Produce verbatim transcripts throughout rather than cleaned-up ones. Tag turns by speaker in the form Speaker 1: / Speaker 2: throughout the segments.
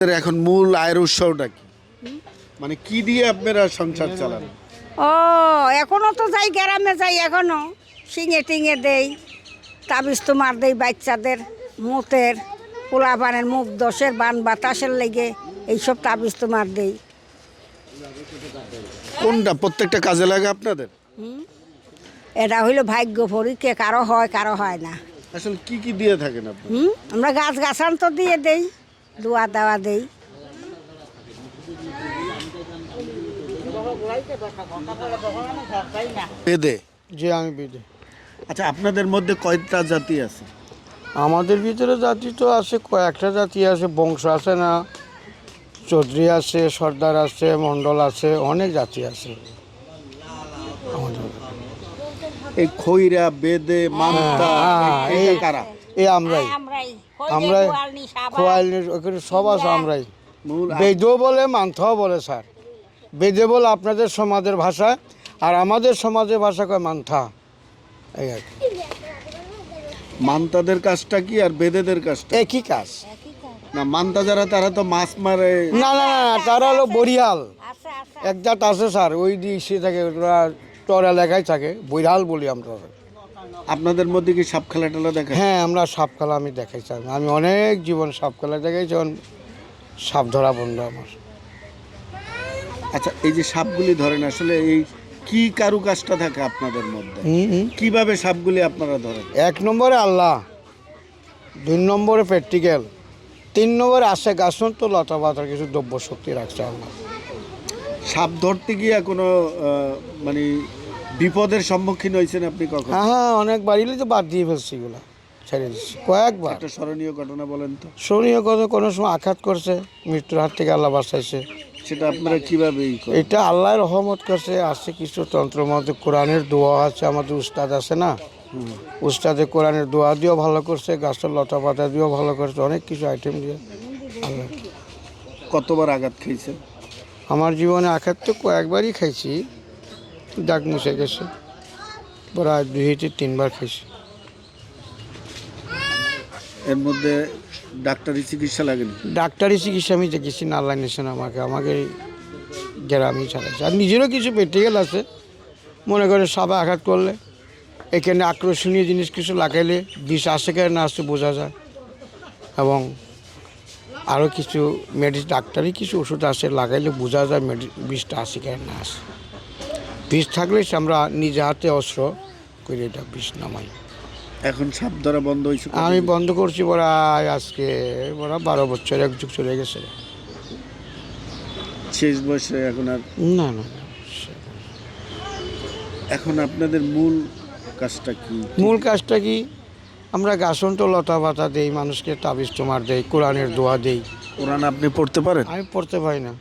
Speaker 1: এখন মূল আয়ের উৎসটা কি, মানে কি দিয়ে আপনারা সংসার চালান?
Speaker 2: ও এখনো তো যাই, গ্রামে যাই, এখনো শিঙে টিঙে দেই, তাবিজ তোমার দেই বাচ্চাদের, মুতের পোলা বানের মুখ দশের বান বাতাসের লেগে এইসব তাবিজ তোমার দেই।
Speaker 1: কোনটা প্রত্যেকটা কাজে লাগে আপনাদের?
Speaker 2: এটা হইলো ভাগ্য পরীক্ষা, কারো হয় কারো হয় না।
Speaker 1: আসলে কি কি দিয়ে থাকেন আপনি?
Speaker 2: হুম আমরা গাছ গাছান তো দিয়ে দেই, দোয়া দেওয়া দেই।
Speaker 1: বেদে?
Speaker 3: যে আমি বেদে।
Speaker 1: আচ্ছা, আপনাদের মধ্যে কয়টা জাতি আছে?
Speaker 3: আমাদের ভিতরে জাতি তো আছে, কয়েকটা জাতি আছে, বংশ আছে না, চৌধুরী আছে, সর্দার আছে, মণ্ডল আছে, অনেক জাতি আছে আমাদের।
Speaker 1: এই খৈরা, বেদে, মান্তা,
Speaker 3: হ্যাঁ,
Speaker 1: এই
Speaker 3: এই-
Speaker 1: কারা?
Speaker 3: এই আমরাই আমরাই খোয়াইলের ওখানে সব আছে আমরাই।
Speaker 1: মূল আয়-
Speaker 3: বেদও বলে মান্থাও বলে স্যার। বেদে বলে আপনাদের সমাজের ভাষা, আর আমাদের সমাজের ভাষা কয় মান্থা, এই আর কি।
Speaker 1: মান্তাদের কাজটা কি আর বেদেদের কাজটা?
Speaker 3: একই কাজ।
Speaker 1: না, মান্তা যারা তারা তো মাছ মারে।
Speaker 3: না না না, তারা হলো বরিয়াল এক জাত আছে স্যার, ওই দিয়ে সে থাকে, ওরা টর এলাকায় থাকে, বৈরাল বলি আমরা।
Speaker 1: আপনাদের মধ্যে কি সাপ খেলা টেলা দেখা?
Speaker 3: হ্যাঁ, আমরা সাপ খেলা আমি দেখাইছি, আমি অনেক জীবন সাপ খেলা দেখাইছি, এখন সাপ ধরা বন্ধ আমার।
Speaker 1: আচ্ছা, এই যে সাপগুলি ধরেন, আসলে এই কি কারুকাজটা থাকে আপনাদের মধ্যে?
Speaker 3: হুম হুম।
Speaker 1: কিভাবে সাপগুলি আপনারা ধরেন?
Speaker 3: এক নম্বরে আল্লাহ, দুই নম্বরে প্র্যাকটিক্যাল, তিন নম্বরে আসে গাছন তো লতা পাতার কিছু দ্রব্য শক্তি রাখছে আল্লাহ।
Speaker 1: সাপ ধরতে গিয়ে কোনো আহ, মানে বিপদের সম্মুখীন হয়েছেন আপনি কখন?
Speaker 3: হ্যাঁ হ্যাঁ, অনেক বাড়িলে তো বাদ দিয়ে ফেলছি এগুলো, ছেড়ে দিচ্ছি কয়েকবার।
Speaker 1: একটা স্মরণীয় ঘটনা বলেন তো।
Speaker 3: শরীরে কথা কোনো সময় আঘাত করছে, মৃত্যুর হাত থেকে আল্লাহ বাঁচাইছে।
Speaker 1: সেটা আপনারা কিভাবে ই করেন?
Speaker 3: এটা আল্লাহর রহমত করছে। আছে কিছু তন্ত্র মধ্যে কোরআনের দোয়া আছে, আমাদের উস্তাদ আছে না, উস্তাদে কোরআনের দোয়া দিয়েও ভালো করছে, গাছের লতা পাতা দিয়েও ভালো করছে, অনেক কিছু আইটেম দিয়ে আল্লাহ।
Speaker 1: কতবার আঘাত খেয়েছেন?
Speaker 3: আমার জীবনে আঘাত তো কয়েকবারই খাইছি, দাগ মুছে গেছে, প্রায় দুই থেকে তিনবার খাইছি।
Speaker 1: এর মধ্যে ডাক্তারি চিকিৎসা লাগেনি?
Speaker 3: ডাক্তারি চিকিৎসা আমি দেখেছি না, আল্লাহ নিয়েছেন আমাকে, আমাকে গ্রামই ছাড়াচ্ছে। আর নিজেরও কিছু প্র্যাকটিক্যাল আছে, মনে করে সাপে আঘাত করলে এখানে আকর্ষণীয় জিনিস কিছু লাগাইলে বিষ আসে কেন না আসে বোঝা যায়, এবং আরও কিছু মেডিসিন ডাক্তারি কিছু ওষুধ আসে, লাগাইলে বোঝা যায় মেডি বিষটা আসে কেন না আসে। বিষ থাকলে সে আমরা নিজে হাতে অস্ত্র করে এটা বিষ নামাই।
Speaker 1: এখন সাপ ধরা বন্ধ হয়েছে?
Speaker 3: আমি বন্ধ করছি প্রায় আজকে বড় বারো বছর, এক যুগ চলে গেছে।
Speaker 1: শেষ বয়সে এখন আর?
Speaker 3: না না না,
Speaker 1: এখন আপনাদের মূল কাজটা কি?
Speaker 3: মূল কাজটা কি, আমরা গাছন তো লতা পাতা দেই, মানুষকে তাবিজ তোমার দেই, কোরআনের দোয়া দেই।
Speaker 1: কোরআন আপনি পড়তে পারেন?
Speaker 3: আমি পড়তে পারি না।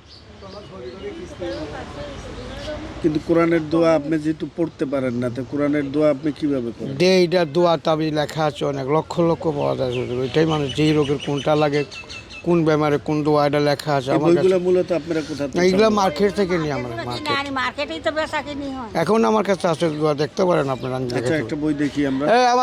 Speaker 1: কিন্তু কোরআনের দোয়া আপনি যেহেতু পড়তে পারেন না, তো কোরআনের দোয়া আপনি কিভাবে করেন?
Speaker 3: দে এটা দোয়া তাবিজ লেখা আছে, অনেক লক্ষ লক্ষ পাওয়া যায় শুধু। ওইটাই মানুষ যেই রোগের কোনটা লাগে, কোন বেমারে কোন দোয়া, এটা লেখা আছে
Speaker 1: এই
Speaker 3: আমার কাছে।
Speaker 1: বইগুলো মূলত আপনারা কোথা থেকে?
Speaker 3: এইগুলো মার্কেট থেকে নিই আমরা, মার্কেট।
Speaker 2: মার্কেটেই তো বেচা কিনি হয়।
Speaker 3: এখন আমার কাছে আছে দোয়া, দেখতে পারেন আপনারা। আমি
Speaker 1: আচ্ছা,
Speaker 3: দেখাতে
Speaker 1: একটা
Speaker 3: পারি।
Speaker 1: বই দেখি আমরা।
Speaker 3: এই আমার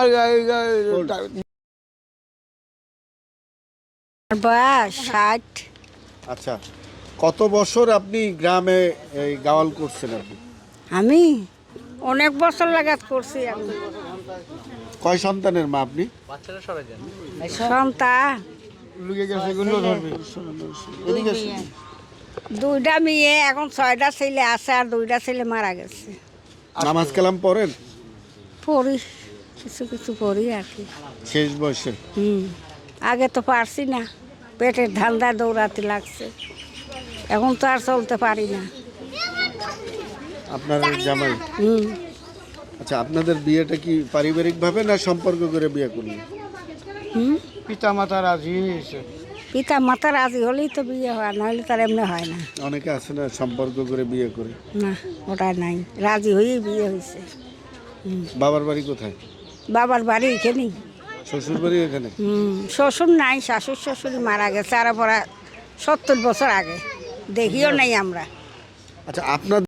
Speaker 2: বয়স ষাট।
Speaker 1: আচ্ছা, কত বছর আপনি গ্রামে এই গাওয়াল করছেন আপনি?
Speaker 2: আমি অনেক বছর লাগাত করছি। আমি
Speaker 1: কয় সন্তানের মা আপনি?
Speaker 2: সন্তান
Speaker 3: লুকে গেছে, এগুলো ধরবে।
Speaker 1: এদিকে আসুন।
Speaker 2: দুইটা মেয়ে, এখন ছয়টা ছেলে আছে, আর দুইটা ছেলে মারা গেছে।
Speaker 1: নামাজ কালাম পড়েন?
Speaker 2: পড়ি, কিছু কিছু পড়ি আর কি।
Speaker 1: শেষ বয়সে?
Speaker 2: হুম আগে তো পারছি না, পেটের ধান্দা দৌড়াতে লাগছে, এখন তো আর চলতে পারি না।
Speaker 1: আপনার জামাই?
Speaker 2: হুম
Speaker 1: আচ্ছা, আপনাদের বিয়েটা কি পারিবারিক ভাবে না সম্পর্ক করে বিয়ে করলেন?
Speaker 2: হুম
Speaker 3: পিতা মাতা রাজি হয়েছে।
Speaker 2: পিতা মাতা রাজি হলেই তো বিয়ে হয়, নাহলে তার এমনি হয় না।
Speaker 1: অনেকে আছে না সম্পর্ক করে বিয়ে করে?
Speaker 2: না, ওটা নাই, রাজি হয়েই বিয়ে হয়েছে।
Speaker 1: বাবার বাড়ি কোথায়?
Speaker 2: বাবার বাড়ি এখানেই।
Speaker 1: শ্বশুর বাড়ি এখানে?
Speaker 2: হুম শ্বশুর নাই, শাশুড় শ্বশুরই মারা গেছে আর পরা সত্তর বছর আগে, দেখিও নাই আমরা।
Speaker 1: আচ্ছা, আপনার